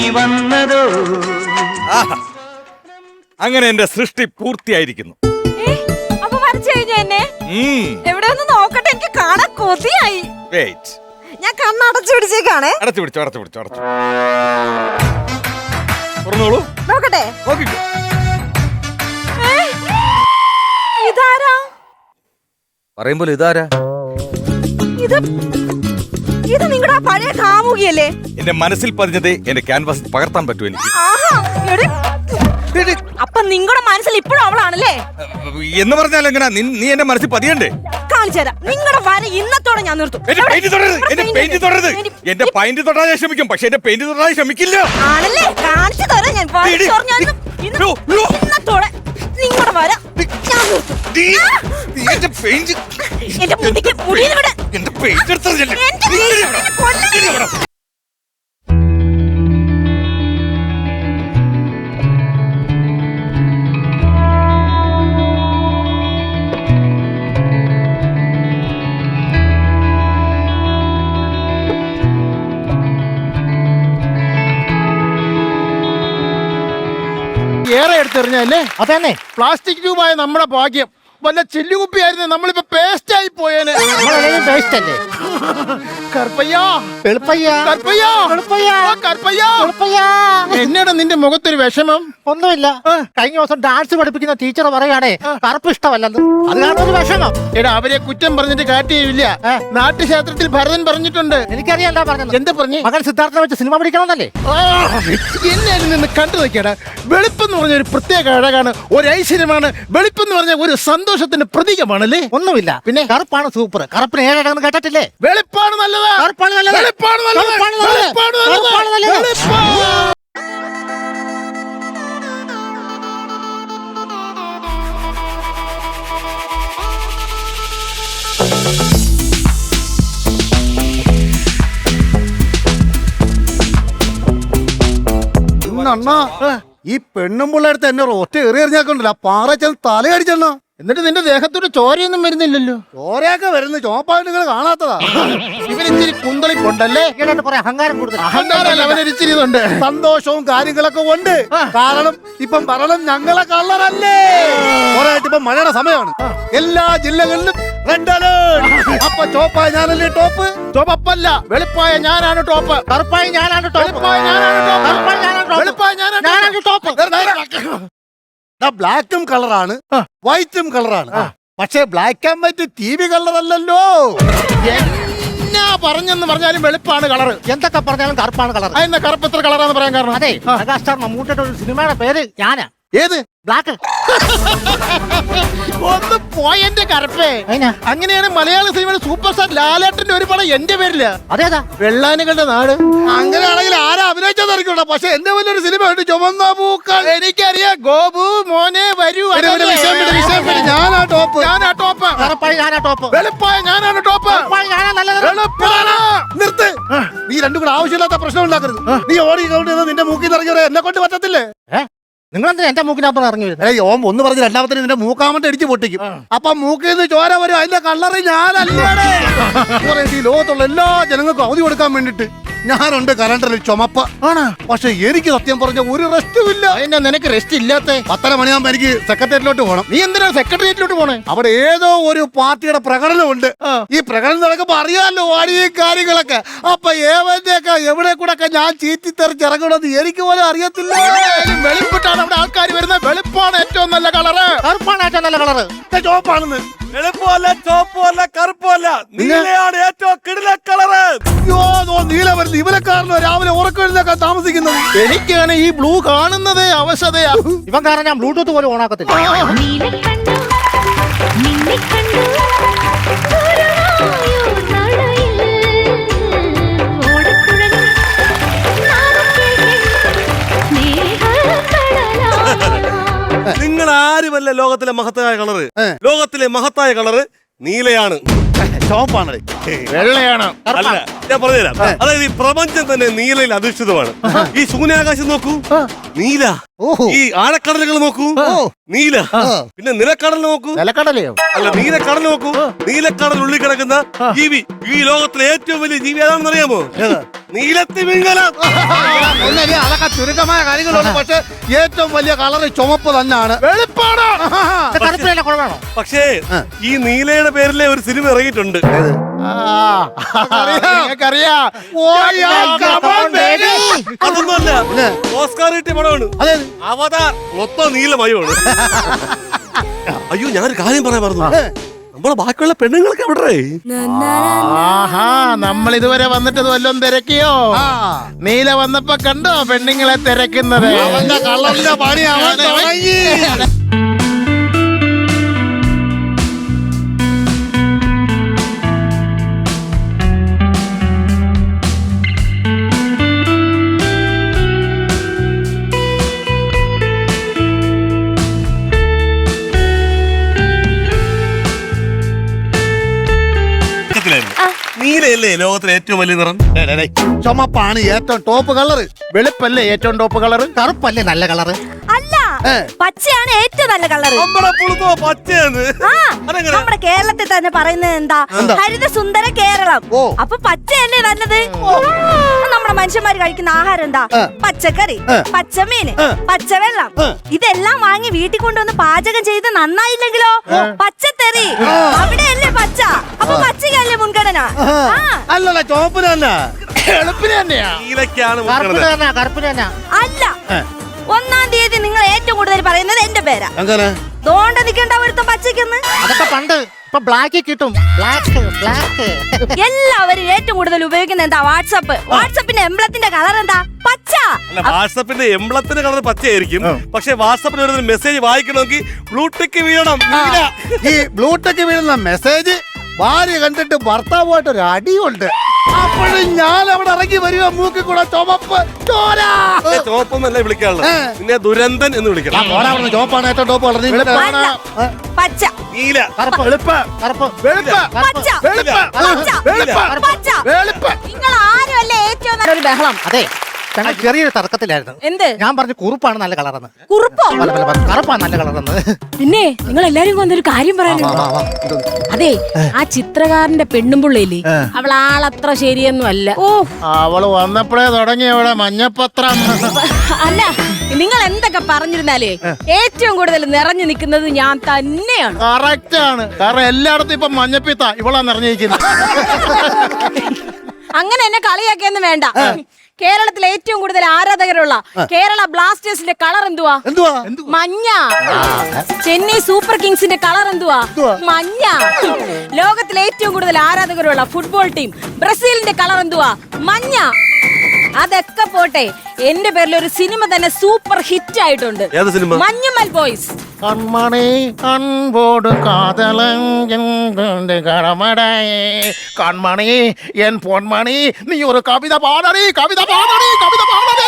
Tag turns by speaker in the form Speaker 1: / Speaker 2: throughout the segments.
Speaker 1: വന്നതോ.
Speaker 2: അങ്ങനെ എന്റെ സൃഷ്ടി പൂർത്തിയായിരിക്കുന്നു.
Speaker 3: അപ്പൊ വരച്ചു കഴിഞ്ഞു എന്നെ എവിടെ ഒന്ന് നോക്കട്ടെ, എനിക്ക് കാണാൻ കൊതിയായി. ഞാൻ കണ്ണടച്ചു പിടിച്ചേക്കാണേ.
Speaker 2: അടച്ചു പിടിച്ചോ. തുറന്നോളൂ,
Speaker 3: നോക്കട്ടെ.
Speaker 2: നോക്കിക്കോ.
Speaker 3: ഇതാരാ?
Speaker 2: പറയുമ്പോൾ ഇതാരാ?
Speaker 3: ഇത് നിങ്ങളുടെ പഴയ കാമുകിയല്ലേ?
Speaker 2: എന്റെ മനസ്സിൽ പതിഞ്ഞത് എന്റെ ക്യാൻവാസിൽ പകർത്താൻ പറ്റൂ എനിക്ക്.
Speaker 3: അപ്പൊ നിങ്ങളുടെ മനസ്സിൽ ഇപ്പോഴും അവളാണല്ലേ
Speaker 2: എന്ന് പറഞ്ഞാൽ എങ്ങനെ? നീ എന്റെ മനസ്സിൽ പതിയണ്ടേ?
Speaker 3: കാണിച്ചു തരാം. നിങ്ങളുടെ വര ഇന്നത്തോടെ ഞാൻ നിർത്തും.
Speaker 2: എന്റെ പെയിന്റ് തൊടരുത്. എന്റെ പെയിന്റ് തൊടാൻ ഞാൻ ശ്രമിക്കും, പക്ഷെ എന്റെ പെയിന്റ് തൊടാൻ ശ്രമിക്കില്ല.
Speaker 3: ആണല്ലേ? കാണിച്ചു തരാം ഞാൻ. ഇന്നത്തോടെ നിങ്ങളുടെ വര ഞാൻ നിർത്തും.
Speaker 2: എന്റെ പെയിന്റ്
Speaker 3: എന്റെ മുടിക്ക് മുടിയിൽ വിട്.
Speaker 2: എന്റെ പെയിന്റ് എടുത്തതല്ലേ?
Speaker 4: ഏറെ എടുത്തെറിഞ്ഞല്ലേ? അതന്നെ, പ്ലാസ്റ്റിക് ട്യൂബായ നമ്മുടെ ഭാഗ്യം. വല്ല ചില്ലുകുപ്പിയായിരുന്നു നമ്മളിപ്പോ പേസ്റ്റ് ആയി പോയേനെ. പേസ്റ്റ് അല്ലേ? എന്നാടാ നിന്റെ മുഖത്തൊരു വിഷമം?
Speaker 5: ഒന്നുമില്ല. കഴിഞ്ഞ ദിവസം ഡാൻസ് പഠിപ്പിക്കുന്ന ടീച്ചർ പറയാണേ കറുപ്പ് ഇഷ്ടമല്ലെന്ന്. അത് കാരണം വിഷമം.
Speaker 4: എടാ, അവരെ കുറ്റം പറഞ്ഞിട്ട് കാര്യമില്ല. നാട്യശാസ്ത്രത്തിൽ ഭരതൻ പറഞ്ഞിട്ടുണ്ട്.
Speaker 5: എനിക്കറിയാല്ല പറഞ്ഞത്.
Speaker 4: എന്താ പറഞ്ഞു?
Speaker 5: മകൻ സിദ്ധാർത്ഥനെ വെച്ച് സിനിമ പഠിക്കണമെന്നല്ലേ?
Speaker 4: എന്നെ അതിൽ നിന്ന് കണ്ടു നോക്കിയാടാ. വെളുപ്പെന്ന് പറഞ്ഞ ഒരു പ്രത്യേക അഴകാണ്, ഒരു ഐശ്വര്യമാണ്. വെളുപ്പെന്ന് പറഞ്ഞ ഒരു സന്തോഷത്തിന്റെ പ്രതീകമാണല്ലേ?
Speaker 5: ഒന്നുമില്ല. പിന്നെ കറുപ്പാണ് സൂപ്പർ. കറുപ്പിന് ഏഴടങ്ങ് കേട്ടിട്ടില്ലേ?
Speaker 4: വെളുപ്പാണ് നല്ലത്.
Speaker 5: കറുപ്പാണ് നല്ലത്.
Speaker 4: വെളുപ്പാണ് നല്ലത്. വെളുപ്പാണ് നല്ലത്.
Speaker 6: അണ്ണാ, ഈ പെണ്ണും പിള്ളേടുത്ത് എന്നെ ഒറ്റ എറി എറിഞ്ഞാക്കണ്ടല്ലോ, പാറ ചെന്ന് തലയടിച്ചെണ്ണ.
Speaker 4: എന്നിട്ട് നിന്റെ ദേഹത്തോട് ചോരയൊന്നും വരുന്നില്ലല്ലോ.
Speaker 6: ചോരയൊക്കെ വരുന്നു, ചോപ്പായിട്ട് നിങ്ങൾ കാണാത്തതാ.
Speaker 4: ഇവനിച്ചിരി കുന്തളിപ്പുണ്ടല്ലേ?
Speaker 5: കുറെ അഹങ്കാരം കൂടുതൽ.
Speaker 4: അഹങ്കാരമല്ല, അവനൊരിച്ചിരി ഇതുണ്ട്.
Speaker 6: സന്തോഷവും കാര്യങ്ങളൊക്കെ ഉണ്ട്. കാരണം ഇപ്പം ഭരണം ഞങ്ങളെ കള്ളറല്ലേ. കുറേയായിട്ട് ഇപ്പം മഴയുടെ സമയമാണ്. എല്ലാ ജില്ലകളിലും റെഡ് അലേർട്ട്. അപ്പൊ ചോപ്പായ ഞാനല്ലേ ടോപ്പ്?
Speaker 4: ചോപ്പല്ല, വെളുപ്പായ ഞാനാണ് ടോപ്പ്.
Speaker 5: കറുപ്പായി ഞാനാണ് ടോപ്പ്.
Speaker 4: വെളുപ്പായ ഞാനാണ് ടോപ്പ്.
Speaker 5: കറുപ്പായി ഞാനാണ് ടോപ്പ്.
Speaker 4: വെളുപ്പായ ഞാനാണ് ടോപ്പ്.
Speaker 6: ബ്ലാക്കും കളറാണ്, വൈറ്റും കളറാണ്. പക്ഷേ black and white TV colour അല്ലല്ലോ.
Speaker 4: എന്നാ പറഞ്ഞെന്ന് പറഞ്ഞാലും വെളുപ്പാണ് കളറ്.
Speaker 5: എന്തൊക്കെ പറഞ്ഞാലും കറുപ്പാണ് കളർ.
Speaker 4: എന്നാ കറുപ്പ് എത്ര കളറാന്ന് പറയാൻ കാരണം?
Speaker 5: അതെ, മെഗാസ്റ്റാർ മമ്മൂട്ടിയുടെ ഒരു സിനിമയുടെ പേര് ഞാനാ.
Speaker 4: ഏത്?
Speaker 5: ബ്ലാക്ക്.
Speaker 4: ഒന്ന് പോയെന്റെ കറുപ്പേ. അങ്ങനെയാണ് മലയാള സിനിമയുടെ സൂപ്പർ സ്റ്റാർ ലാലേട്ടന്റെ ഒരു പടം എന്റെ പേരില്ല.
Speaker 5: അതേതാ?
Speaker 4: വെള്ളാനുകളുടെ നാട്.
Speaker 6: അങ്ങനെയാണെങ്കിൽ ആരാ അഭിനയിച്ചതായിരിക്കും. പക്ഷെ എന്റെ വലിയൊരു സിനിമ ഉണ്ട്, ചുമന്ന പൂക്കൾ.
Speaker 4: എനിക്കറിയാം. ഗോപു മോനെ വരൂ.
Speaker 6: ഞാനാ ടോപ്പ്.
Speaker 4: ഞാനാ ടോപ്പ്.
Speaker 5: കറുപ്പായി ഞാനാ ടോപ്പ്.
Speaker 4: വെളുപ്പായ ഞാനാണ് ടോപ്പ്.
Speaker 5: കറുപ്പായി ഞാനാ നല്ലത്.
Speaker 4: വെളുപ്പാണ്.
Speaker 6: നിർത്ത്. നീ രണ്ടും കൂടെ ആവശ്യമില്ലാത്ത പ്രശ്നം ഉണ്ടാക്കരുത്. നീ ഓടി കൗണ്ട് ചെയ്ത് നിന്റെ മൂക്കിൽ ഇറങ്ങി എന്നെ കൊണ്ട് പറ്റത്തില്ലേ?
Speaker 5: നിങ്ങളെന്താ എന്റെ മൂക്കിനകത്ത് ഇറങ്ങി വരുന്നത്?
Speaker 6: ഓം ഒന്ന് പറഞ്ഞ് രണ്ടാമത്തെ നിന്റെ മൂക്കാമട്ട് ഇടിച്ചു പൊട്ടിക്കും. അപ്പൊ മൂക്കിൽ നിന്ന് ചോര വരും. അതിന്റെ കള്ളറി ഞാനല്ലേ. ഈ ലോകത്തുള്ള എല്ലാ ജനങ്ങൾക്കും അവധി കൊടുക്കാൻ വേണ്ടിട്ട് ഞാനുണ്ട് കലണ്ടറിൽ ചുമപ്പ് ആണ്. പക്ഷെ എനിക്ക് സത്യം പറഞ്ഞ ഒരു റെസ്റ്റും ഇല്ല.
Speaker 4: എന്നാ നിനക്ക് റെസ്റ്റ് ഇല്ലാത്ത?
Speaker 6: 10:30 മണിയാകുമ്പോ എനിക്ക് സെക്രട്ടേറിയറ്റിലോട്ട് പോകണം.
Speaker 4: നീ എന്തിനാ സെക്രട്ടേറിയറ്റിലോട്ട് പോണേ?
Speaker 6: അവിടെ ഏതോ ഒരു പാർട്ടിയുടെ പ്രകടനമുണ്ട്. ഈ പ്രകടനം നടക്കുമ്പോ അറിയാമല്ലോ വാടിയ കാര്യങ്ങളൊക്കെ. അപ്പൊ ഏവന്റെയൊക്കെ എവിടെ കൂടെ ഒക്കെ ഞാൻ ചീറ്റിത്തെറിച്ചിറങ്ങണമെന്ന് എനിക്ക് പോലും അറിയത്തില്ല.
Speaker 4: വെളുപ്പിട്ടാണ് അവിടെ ആൾക്കാർ വരുന്നത്. വെളുപ്പാണ് ഏറ്റവും നല്ല കളറ്.
Speaker 5: കറുപ്പാണ് ഏറ്റവും നല്ല കളറ്.
Speaker 6: ചോപ്പാണെന്ന്.
Speaker 2: വെളുപ്പമല്ല, ചോപ്പമല്ല, കറുപ്പമല്ല, നീലയാണ് ഏറ്റവും കിടില കളറ്.
Speaker 6: നീല വരുന്നത് ഇവനെക്കാരനോ രാവിലെ ഉറക്കം താമസിക്കുന്നത്.
Speaker 4: എനിക്കാണ് ഈ ബ്ലൂ കാണുന്നതേ അവശതയാ.
Speaker 5: ഇവൻ കാരണം ഞാൻ ബ്ലൂടൂത്ത് പോലും ഓണാക്കത്തില്ല.
Speaker 7: നിങ്ങൾ ആരുമല്ല ലോകത്തിലെ മഹത്തായ കളറ്. ലോകത്തിലെ മഹത്തായ കളറ് നീലയാണ്.
Speaker 6: ചോപ്പാണ്.
Speaker 4: വെള്ളയാണ്.
Speaker 7: അല്ല, ഞാൻ പറഞ്ഞുതരാം. അതായത് ഈ പ്രപഞ്ചം തന്നെ നീലയിൽ അധിഷ്ഠിതമാണ്. ഈ ശൂന്യാകാശം നോക്കൂ, നീല.
Speaker 6: ഓഹോ.
Speaker 7: ഈ ആഴക്കടലുകൾ നോക്കൂ, നീല. പിന്നെ നിലക്കടൽ നോക്കൂ,
Speaker 5: നിലക്കടലയോ?
Speaker 7: അല്ല നീലക്കടൽ നോക്കൂ. നീലക്കടൽ ഉള്ളിൽ കിടക്കുന്ന ജീവി, ഈ ലോകത്തിലെ ഏറ്റവും വലിയ ജീവി ഏതാണെന്ന് അറിയാമോ? നീലത്തിമിംഗലം.
Speaker 6: ഒന്നല്ലേ അതൊക്കെ ചുരുക്കമായ കാര്യങ്ങളുള്ളൂ. പക്ഷെ ഏറ്റവും വലിയ കളർ ചുമപ്പ് തന്നെയാണ്.
Speaker 4: വെളുപ്പാണ്.
Speaker 5: ഇത് കറുപ്പിലല്ല കുഴപ്പമാണോ?
Speaker 7: പക്ഷേ ഈ നീലയുടെ പേരിലെ ഒരു സിനിമ ഇറങ്ങിയിട്ടുണ്ട്.
Speaker 4: നിങ്ങൾക്കറിയാം.
Speaker 7: അതൊന്നുമല്ല, ഓസ്കാർ കിട്ടിയ പടമാണ്.
Speaker 6: അതെ.
Speaker 7: അവതാർ മൊത്തം നീലമയമാണ്. അയ്യോ, ഞാനൊരു കാര്യം പറയാൻ മറന്നു. നമ്മളെ ബാക്കിയുള്ള പെണ്ണുങ്ങളൊക്കെ എവിടെ?
Speaker 4: ആഹാ, നമ്മൾ ഇതുവരെ വന്നിട്ട് വല്ലതും തിരക്കിയോ? നീല വന്നപ്പോ കണ്ടോ പെണ്ണുങ്ങളെ തിരക്കുന്നത്?
Speaker 6: അവന്റെ കളറിന്റെ പണി അവൻ തുടങ്ങി.
Speaker 7: നീലയല്ലേ ലോകത്തിലെ ഏറ്റവും വലിയ നിറം?
Speaker 6: ചുമപ്പാണ് ഏറ്റവും ടോപ്പ് കളറ്.
Speaker 4: വെളുപ്പല്ലേ ഏറ്റവും ടോപ്പ് കളറ്?
Speaker 5: കറുപ്പല്ലേ നല്ല കളറ്?
Speaker 3: അല്ല, പച്ചയാണ് ഏറ്റവും നല്ല കളറ്.
Speaker 7: നമ്മുടെ പുളുത്തോ പച്ചയാണ്. അതെങ്ങനെ?
Speaker 3: നമ്മുടെ കേരളത്തിൽ തന്നെ പറയുന്നത് എന്താ? ഹരിത സുന്ദര കേരളം. അപ്പൊ പച്ചയല്ലേ നല്ലത്? നമ്മുടെ മനുഷ്യന്മാര് കഴിക്കുന്ന ആഹാരം എന്താ? പച്ചക്കറി, പച്ചമീന്, പച്ചവെള്ളം. ഇതെല്ലാം വാങ്ങി വീട്ടിൽ കൊണ്ടുവന്ന് പാചകം ചെയ്ത് നന്നായില്ലെങ്കിലോ പച്ചത്തെറി. അവിടെയല്ലേ പച്ച. അപ്പൊ പച്ചക്കല്ലേ മുൻഗണന?
Speaker 6: അല്ലല്ല, ചുമപ്പിന് തന്നെ.
Speaker 4: വെളുപ്പിന് തന്നെയാ.
Speaker 7: നീലക്കാണ്
Speaker 5: കറുപ്പിന് തന്നെ, കറുപ്പിന് തന്നെ.
Speaker 3: അല്ല, 1-ാം തീയതി നിങ്ങൾ ഏറ്റവും കൂടുതൽ പറയുന്നത് എന്റെ പേരാ.
Speaker 6: അങ്ങനെ
Speaker 3: ദോണ്ട നിൽക്കേണ്ട ഒരുത്തം പച്ചയ്ക്കെന്ന്.
Speaker 5: അതൊക്കെ പണ്ട്. ഇപ്പൊ ബ്ലാക്ക് കിട്ടും. Black black.
Speaker 3: എല്ലാവരും ഏറ്റവും കൂടുതൽ ഉപയോഗിക്കുന്ന എന്താ? വാട്സപ്പ്. വാട്സപ്പിന്റെ എംബ്ലത്തിന്റെ കളർ എന്താ? പച്ച.
Speaker 7: അല്ല, വാട്സപ്പിന്റെ എംബ്ലത്തിന്റെ കളർ പച്ചയായിരിക്കും. പക്ഷെ വാട്സപ്പിൽ ഒരു മെസ്സേജ് വായിക്കണമെങ്കിൽ ബ്ലൂടിക്ക് വീഴണം.
Speaker 6: ഈ ബ്ലൂടെക്ക് വീഴുന്ന മെസ്സേജ് ഭാര്യ കണ്ടിട്ട് ഭർത്താവുമായിട്ട് ഒരു അടിയുണ്ട്. അപ്പോഴും ഞാൻ അവിടെ ഇറങ്ങി വരിക, മൂക്കി കൂടെ ചുമപ്പ് ചോര.
Speaker 7: ചോപ്പൊന്നല്ല വിളിക്കാനുള്ളത്, പിന്നെ ദുരന്തൻ എന്ന് വിളിക്കണം.
Speaker 6: ചോപ്പാണ് ഏറ്റവും ടോപ്പ് കളർ.
Speaker 3: അല്ല, പച്ച.
Speaker 7: നീല.
Speaker 5: കറുപ്പ്
Speaker 4: വെളുപ്പ്.
Speaker 5: കറുപ്പ്
Speaker 4: വെളുപ്പ്.
Speaker 3: പച്ച.
Speaker 4: വെളുപ്പ്.
Speaker 3: പച്ച.
Speaker 4: വെളുപ്പ്.
Speaker 3: പച്ച.
Speaker 4: വെളുപ്പ്.
Speaker 3: നിങ്ങൾ ആരുമല്ല ഏറ്റവും നല്ലൊരു ബഹളം.
Speaker 5: അതെ, ഞങ്ങൾ ചെറിയൊരു തർക്കത്തിലായിരുന്നു.
Speaker 3: എന്ത്?
Speaker 5: ഞാൻ പറഞ്ഞു കുറുപ്പാണ് നല്ല കളറെന്ന്.
Speaker 3: കുറുപ്പോ?
Speaker 5: കറുപ്പാണ് നല്ല കളറെന്ന്.
Speaker 1: പിന്നെ നിങ്ങൾ എല്ലാരും വന്നൊരു കാര്യം പറയാനുണ്ട്. അതെ, ആ ചിത്രകാരന്റെ പെണ്ണുമ്പുള്ളില്ലേ, അവൾ ആളത്ര ശരിയൊന്നും അല്ല.
Speaker 3: ഓ,
Speaker 4: അവള് വന്നപ്പോഴേ തുടങ്ങി അവിടെ മഞ്ഞപ്പത്രം.
Speaker 1: അല്ല, നിങ്ങൾ എന്തൊക്കെ പറഞ്ഞിരുന്നാലേ ഏറ്റവും കൂടുതൽ നിറഞ്ഞു നിൽക്കുന്നത് ഞാൻ തന്നെയാണ്.
Speaker 4: കറക്റ്റ് ആണ്. കാരണം എല്ലായിടത്തും ഇപ്പൊ മഞ്ഞപ്പിത്ത ഇവളാ നിറഞ്ഞിരിക്കുന്നത്.
Speaker 1: അങ്ങനെ എന്നെ കളിയാക്കിയൊന്നും വേണ്ട. കേരളത്തിൽ ഏറ്റവും കൂടുതൽ ആരാധകരുള്ള കേരള ബ്ലാസ്റ്റേഴ്സിന്റെ കളർ എന്തുവാ? മഞ്ഞ. ചെന്നൈ സൂപ്പർ കിങ്സിന്റെ കളർ എന്തുവാ? മഞ്ഞ. ലോകത്തിലെ ഏറ്റവും കൂടുതൽ ആരാധകരുള്ള ഫുട്ബോൾ ടീം ബ്രസീലിന്റെ കളർ എന്തുവാ? മഞ്ഞ. അതൊക്കെ പോട്ടെ, എന്റെ പേരിൽ ഒരു സിനിമ തന്നെ സൂപ്പർ ഹിറ്റ് ആയിട്ടുണ്ട്.
Speaker 7: ഏത് സിനിമ?
Speaker 1: മഞ്ഞുമൽ ബോയ്സ്.
Speaker 4: കൺമണി അൻപോട് കാതലങ്കടമടേ കൺമണി എൻ പൊന്മണി നീ ഒരു കവിത പാടണി, കവിത പാടണി, കവിത പാടണി.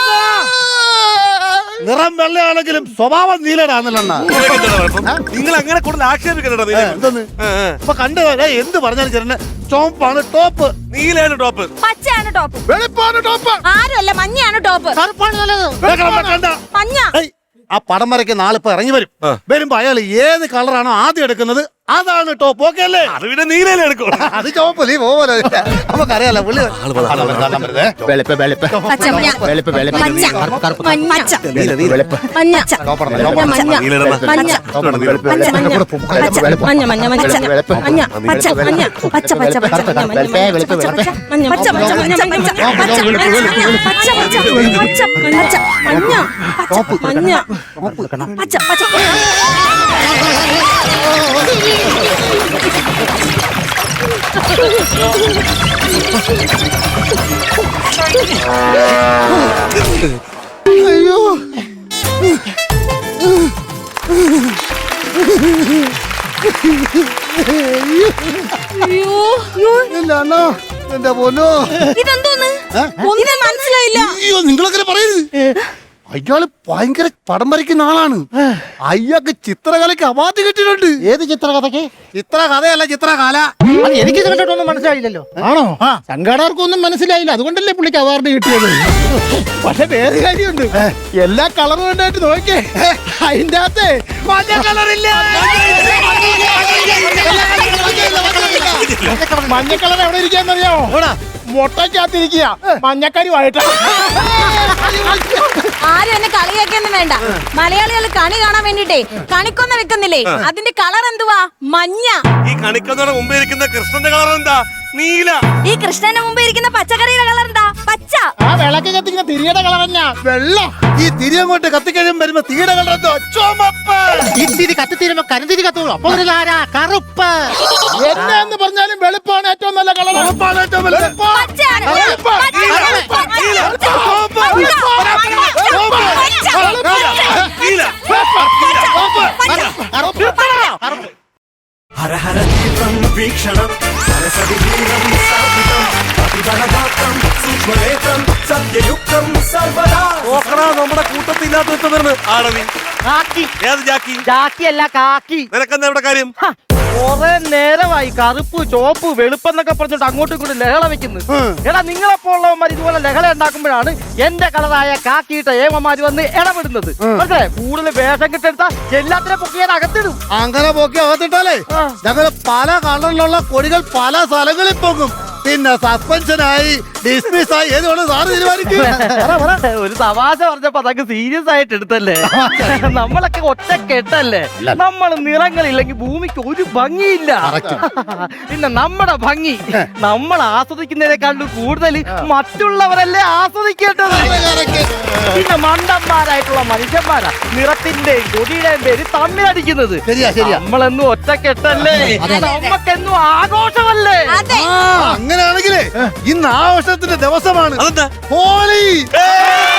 Speaker 6: നിറം വെള്ളയാണെങ്കിലും സ്വഭാവം നീലടാന്നല്ലോ.
Speaker 7: നിങ്ങൾ അങ്ങനെ കൂടുതൽ ആക്ഷേപിക്കണ്ട.
Speaker 6: എന്തോന്ന് ഇപ്പൊ കണ്ടു എന്ത് പറഞ്ഞാലും ചേട്ടന് ചോപ്പാണ് ടോപ്പ്,
Speaker 7: നീലയാണ് ടോപ്പ്,
Speaker 3: പച്ചയാണ് ടോപ്പ്,
Speaker 4: വെളുപ്പാണ് ടോപ്പ്.
Speaker 3: ആരുമല്ല മഞ്ഞയാണ് ടോപ്പ്.
Speaker 5: കറുപ്പാണ് നല്ലത്.
Speaker 6: കണ്ട
Speaker 3: മഞ്ഞ.
Speaker 6: ആ പടം വരയ്ക്കുന്ന ആളിപ്പോ ഇറങ്ങി വരും. വരുമ്പോ അയാൾ ഏത് കളറാണോ ആദ്യം എടുക്കുന്നത് അതാണ് ടോപ്പ്. ഓക്കെ അല്ലേ?
Speaker 7: അത് പിന്നെ നീലയിലെ എടുക്കും.
Speaker 6: അത് ചോപ്പ് നീ പോലെ നമുക്കറിയാലോ പുള്ളി.
Speaker 4: വെളുപ്പ് വെളുപ്പ്
Speaker 3: പച്ച, മഞ്ഞ.
Speaker 4: വെളുപ്പ് വെളുപ്പ്
Speaker 3: മഞ്ഞ.
Speaker 4: കറുപ്പ്
Speaker 3: മഞ്ഞ.
Speaker 4: വെളുപ്പ്
Speaker 3: മഞ്ഞ. മഞ്ഞ. മഞ്ഞ. മഞ്ഞ. മഞ്ഞ. മഞ്ഞ. മഞ്ഞ. പച്ച. മഞ്ഞ. പച്ച. പച്ച. പച്ച. മഞ്ഞ. മഞ്ഞ. മഞ്ഞ. പച്ച. പച്ച. മഞ്ഞ. പച്ച. പച്ച. മഞ്ഞ. മഞ്ഞ. പച്ച. പച്ച. പച്ച. പച്ച. മഞ്ഞ. പച്ച. മഞ്ഞ. പച്ച. പച്ച.
Speaker 6: അയ്യോ എന്റെ പൊന്നോ,
Speaker 3: ഇതെന്തോന്ന്? ഒന്നും മനസ്സിലായില്ല.
Speaker 6: അയ്യോ നിങ്ങളങ്ങനെ പറയരുത്. അയാള് ഭയങ്കര പടം വരയ്ക്കുന്ന ആളാണ്. അയാൾക്ക് ചിത്രകലയ്ക്ക് അവാർഡ് കിട്ടിയിട്ടുണ്ട്.
Speaker 5: ഏത് ചിത്രകഥയ്ക്ക്?
Speaker 6: ചിത്രകഥയല്ല, ചിത്രകല.
Speaker 5: അത് എനിക്ക് ഇത് കണ്ടിട്ടൊന്നും മനസ്സിലായില്ലല്ലോ.
Speaker 4: ആണോ? സംഘാടകർക്കൊന്നും മനസ്സിലായില്ല, അതുകൊണ്ടല്ലേ പുള്ളിക്ക് അവാർഡ് കിട്ടിയത്. പക്ഷെ വേറെ കാര്യമുണ്ട്, എല്ലാ കളറും ഉണ്ടായിട്ട് നോക്കിയേ, അതിന്റെ അകത്ത് മഞ്ഞ കളറില്ല. മഞ്ഞ കളർ എവിടെ ഇരിക്കാന്നറിയാമോ? മുട്ടയ്ക്കകത്തിരിക്കുക മഞ്ഞക്കരുമായിട്ട്.
Speaker 1: ആരും എന്നെ കളിയാക്കിയൊന്നും വേണ്ട. മലയാളികൾ കണി കാണാൻ വേണ്ടിട്ടേ കണിക്കൊന്ന വെക്കുന്നില്ലേ, അതിന്റെ കളർ എന്തുവാ? മഞ്ഞ.
Speaker 7: ഈ കണിക്കൊന്നയുടെ മുമ്പേ ഇരിക്കുന്ന കൃഷ്ണന്റെ കളർ എന്താ? നീല.
Speaker 3: ഈ കൃഷ്ണന്റെ മുമ്പ് ഇരിക്കുന്ന പച്ചക്കറിയുടെ കളർ എന്താ? പച്ച.
Speaker 4: ആ വിളക്ക് കത്തിക്കുന്ന തിരിയുടെ കളർ എന്നാ? വെള്ളം.
Speaker 6: ഈ തിരി അങ്ങോട്ട് കത്തിക്കഴിയും വരുമ്പോ തീയുടെ കളർ എന്തോ? ചുമപ്പ്.
Speaker 5: ഇത്തിരി കത്തിത്തീരുമ്പോ കരിന്തിരി കത്തുള്ളൂ. അപ്പൊ ഒരു കറുപ്പ്.
Speaker 4: എന്നാന്ന് പറഞ്ഞാലും വെളുപ്പാണ് ഏറ്റവും നല്ല കളർ.
Speaker 6: ചുമപ്പാണ് ഏറ്റവും വലുത്.
Speaker 3: പച്ചയാണ്.
Speaker 6: വെളുപ്പ്.
Speaker 3: പച്ച.
Speaker 7: നീല.
Speaker 6: ചുവപ്പ്.
Speaker 7: നീല.
Speaker 8: ഹര തീവ്രം വീക്ഷണം സരസവിഹീനം സ്ഥാപിതം അതിബലഗാത്രം സൂക്ഷ്മനേത്രം സത്യയുക്തം സർവദാ.
Speaker 7: നോക്കടാ, നമ്മുടെ കൂട്ടത്തില്ലാത്ത വരുന്നു ആടവി.
Speaker 5: കാക്കി.
Speaker 7: ഏത് ജാക്കി?
Speaker 5: ജാക്കിയല്ല, കാക്കി.
Speaker 7: നിനക്കെന്താ ഇവിടെ കാര്യം?
Speaker 5: കുറെ നേരമായി കറുപ്പ് ചോപ്പ് വെളുപ്പെന്നൊക്കെ പറഞ്ഞിട്ട് അങ്ങോട്ടും ഇങ്ങോട്ടും ലഹള വെക്കുന്നു. എടാ, നിങ്ങളെപ്പോലുള്ളവന്മാർ ഇതുപോലെ ലഹള ഉണ്ടാക്കുമ്പോഴാണ് എന്റെ കളറായ കാക്കിയിട്ട ഏമമാര് വന്ന് ഇടപെടുന്നത്. മനസ്സിലായി? കൂടുതൽ വേഷം കിട്ടെടുത്താ എല്ലാത്തിനെ പൊക്കിയാൽ അകത്തിടും.
Speaker 6: അങ്ങനെ പോക്കി അകത്തിട്ടാലേ ഞങ്ങള് പല കളറിലുള്ള കൊടികൾ പല സ്ഥലങ്ങളിൽ പോകും. പിന്നെ സസ്പെൻഷനായി ഡിസ്മിസ് ആയി ഏതുകൊണ്ട് സാറ് തീരുമാനിക്കും.
Speaker 5: ഒരു തമാശ പറഞ്ഞപ്പോ അതൊക്കെ സീരിയസ് ആയിട്ട് എടുത്തല്ലേ? നമ്മളൊക്കെ ഒറ്റ കെട്ടല്ലേ? നമ്മൾ നിറങ്ങളില്ലെങ്കിൽ ഭൂമിക്ക് ഒരു ഭംഗിയില്ല. പിന്നെ നമ്മുടെ ഭംഗി നമ്മൾ ആസ്വദിക്കുന്നതിനേക്കാളും കൂടുതൽ മറ്റുള്ളവരല്ലേ ആസ്വദിക്കേണ്ടത്. പിന്നെ മണ്ടന്മാരായിട്ടുള്ള മനുഷ്യന്മാരാ നിറത്തിന്റെയും കൊടിയുടെയും പേര് തമ്മിലടിക്കുന്നത്. നമ്മളെന്നും ഒറ്റ കെട്ടല്ലേ? നമ്മക്കെന്നും ആഘോഷമല്ലേ?
Speaker 1: അതെ.
Speaker 6: അങ്ങനെയാണെങ്കിലേ ഇന്ന് ആഘോഷത്തിന്റെ ദിവസമാണ്.
Speaker 7: അതെന്താ?
Speaker 6: ഹോളി.